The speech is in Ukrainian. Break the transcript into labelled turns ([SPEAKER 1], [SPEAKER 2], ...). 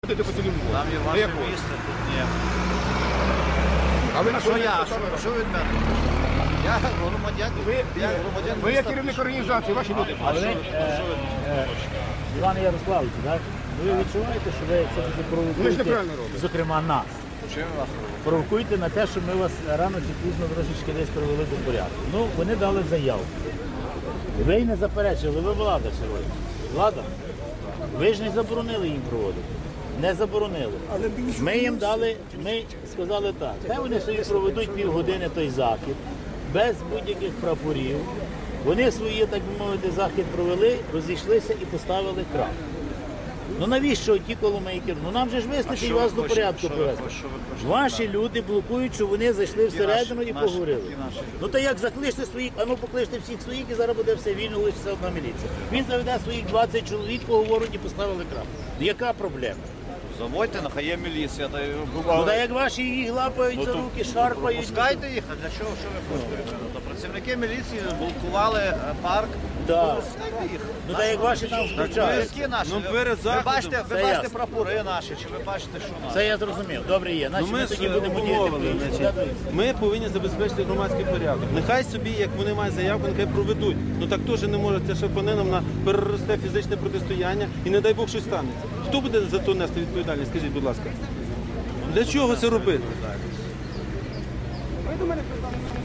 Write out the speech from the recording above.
[SPEAKER 1] Там є
[SPEAKER 2] На
[SPEAKER 1] ваше
[SPEAKER 2] яку?
[SPEAKER 1] місце, тут ні.
[SPEAKER 2] А ви на
[SPEAKER 1] Що
[SPEAKER 2] що
[SPEAKER 1] я? Що від мене? Я громадян. Я громадян
[SPEAKER 2] Ви є
[SPEAKER 1] міста.
[SPEAKER 2] керівник організації, ваші люди.
[SPEAKER 3] Але Іван Ярославович, так? Ви відчуваєте, що ви це
[SPEAKER 2] Ми ж
[SPEAKER 3] провокуєте,
[SPEAKER 2] неправильно робимо.
[SPEAKER 3] зокрема нас,
[SPEAKER 1] Чим вас робить?
[SPEAKER 3] провокуєте на те, що ми вас рано чи пізно трошечки десь привели до порядку. Ну, вони дали заяву. Ви й не заперечили, ви влада сьогодні. Влада? Ви ж не заборонили їм проводити. Не заборонили. Ми їм дали, ми сказали так, хай вони собі проведуть півгодини той захід, без будь-яких прапорів. Вони свої, так би мовити, захід провели, розійшлися і поставили крапку. Ну навіщо ті коломейки? Ну нам же ж вистачить вас до порядку привести. Ваші люди блокують, що вони зайшли всередину і поговорили. Ну то як закличте своїх, а ну покличте всіх своїх і зараз буде все вільно, лишиться одна міліція. Він заведе своїх 20 чоловік, поговорять і поставили крапку. Яка проблема?
[SPEAKER 1] Заводьте, нехай є міліція.
[SPEAKER 3] Ну та як ваші їх лапають за руки, шарпають.
[SPEAKER 1] Пускайте їх, а для чого? Що ви пускаєте? То працівники міліції блокували парк.
[SPEAKER 3] Так.
[SPEAKER 1] Пускайте їх.
[SPEAKER 3] Ну та як ваші там включають.
[SPEAKER 1] Які наші?
[SPEAKER 4] Ну,
[SPEAKER 1] Ви
[SPEAKER 4] перед заходом.
[SPEAKER 1] бачите,
[SPEAKER 3] Це
[SPEAKER 1] ви бачите
[SPEAKER 3] ясно.
[SPEAKER 1] прапори наші, чи ви бачите, що наші?
[SPEAKER 3] Це я зрозумів. Добре є. Значить,
[SPEAKER 4] Ну,
[SPEAKER 3] ми
[SPEAKER 4] ми
[SPEAKER 3] тоді
[SPEAKER 4] ж
[SPEAKER 3] будемо діяти
[SPEAKER 4] умовили,
[SPEAKER 3] по-іншому.
[SPEAKER 4] значить, ми повинні забезпечити громадський порядок. Нехай собі, як вони мають заявку, нехай проведуть. Ну так теж не може, це шапанинам на переросте фізичне протистояння і не дай Бог щось станеться. Хто буде за то нести відповідальність? Скажіть, будь ласка. Для чого це робити?